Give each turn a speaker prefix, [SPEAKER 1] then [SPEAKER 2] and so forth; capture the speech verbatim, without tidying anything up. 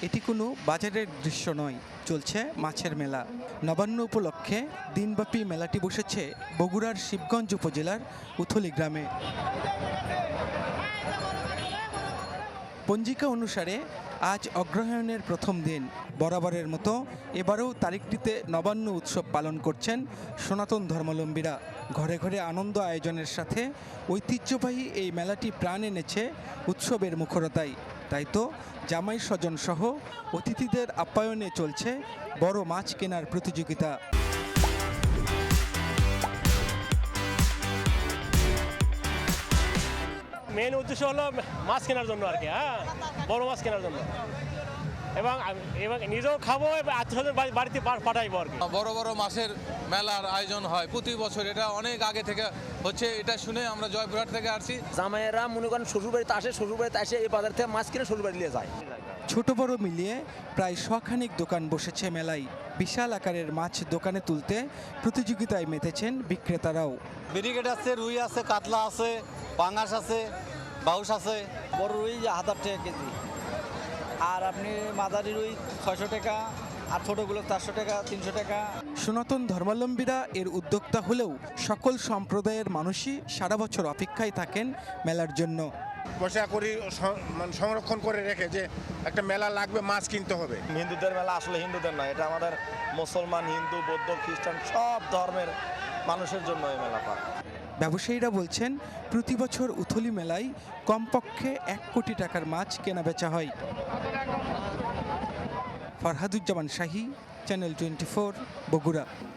[SPEAKER 1] এটি কোনো বাজারের দৃশ্য নয়, চলছে মাছের মেলা। নবান্ন উপলক্ষে দিনব্যাপী মেলাটি বসেছে বগুড়ার শিবগঞ্জ উপজেলার উথলি গ্রামে। পঞ্জিকা অনুসারে আজ অগ্রহায়ণের প্রথম দিন। বরাবরের মতো এবারেও তারিখটিতে নবান্ন উৎসব পালন করছেন সনাতন ধর্মাবলম্বীরা। ঘরে ঘরে আনন্দ আয়োজনের সাথে ঐতিহ্যবাহী এই মেলাটি প্রাণ এনেছে উৎসবের মুখরতায়। তাই তো জামাই স্বজন সহ অতিথিদের আপ্যায়নে চলছে বড় মাছ কেনার প্রতিযোগিতা।
[SPEAKER 2] মেন উদ্দেশ্য হলো মাছ কেনার জন্য আর কি, হ্যাঁ, বড় মাছ কেনার জন্য, এবং এবং নিজেও খাবো, আত্মীয়স্বজন বাড়িতে পাঠাইবো আর কি।
[SPEAKER 3] বড় বড় মাছের মেলার আয়োজন হয় প্রতি বছর, এটা অনেক আগে থেকে হচ্ছে। এটা শুনে আমরা জয়পুরহাট থেকে আসছি।
[SPEAKER 4] জামাইয়েরা মনে করেন শ্বশুরবাড়িতে আসে, শ্বশুরবাড়িতে আসে এই বাজার থেকে মাছ কিনে শ্বশুরবাড়ি নিয়ে যায়।
[SPEAKER 1] ছোট বড় মিলিয়ে প্রায় শখানিক দোকান বসেছে মেলায়। বিশাল আকারের মাছ দোকানে তুলতে প্রতিযোগিতায় মেতেছেন বিক্রেতারাও।
[SPEAKER 5] ব্রিগেড আছে, রুই আছে, কাতলা আছে, পাঙাশ আছে, বাউস আছে।
[SPEAKER 6] বড় রুই হাজার টাকা কেজি, আর আপনি মাঝারি রুই ছয়শো টাকা, আর ছোটোগুলো চারশো টাকা, তিনশো টাকা।
[SPEAKER 1] সনাতন ধর্মাবলম্বীরা এর উদ্যোক্তা হলেও সকল সম্প্রদায়ের মানুষই সারা বছর অপেক্ষায় থাকেন মেলার জন্য।
[SPEAKER 7] বসা করি মানে সংরক্ষণ করে রেখে যে একটা মেলা লাগবে, মাছ কিনতে হবে।
[SPEAKER 8] হিন্দুদের মেলা আসলে হিন্দুদের নয়, এটা আমাদের মুসলমান, হিন্দু, বৌদ্ধ, খ্রিস্টান সব ধর্মের মানুষের জন্য এই মেলাটা।
[SPEAKER 1] ব্যবসায়ীরা বলছেন প্রতি বছর উথলি মেলায় কমপক্ষে এক কোটি টাকার মাছ কেনা বেচা হয়। Farhaduzzaman Shahi, channel twenty four, Bogura.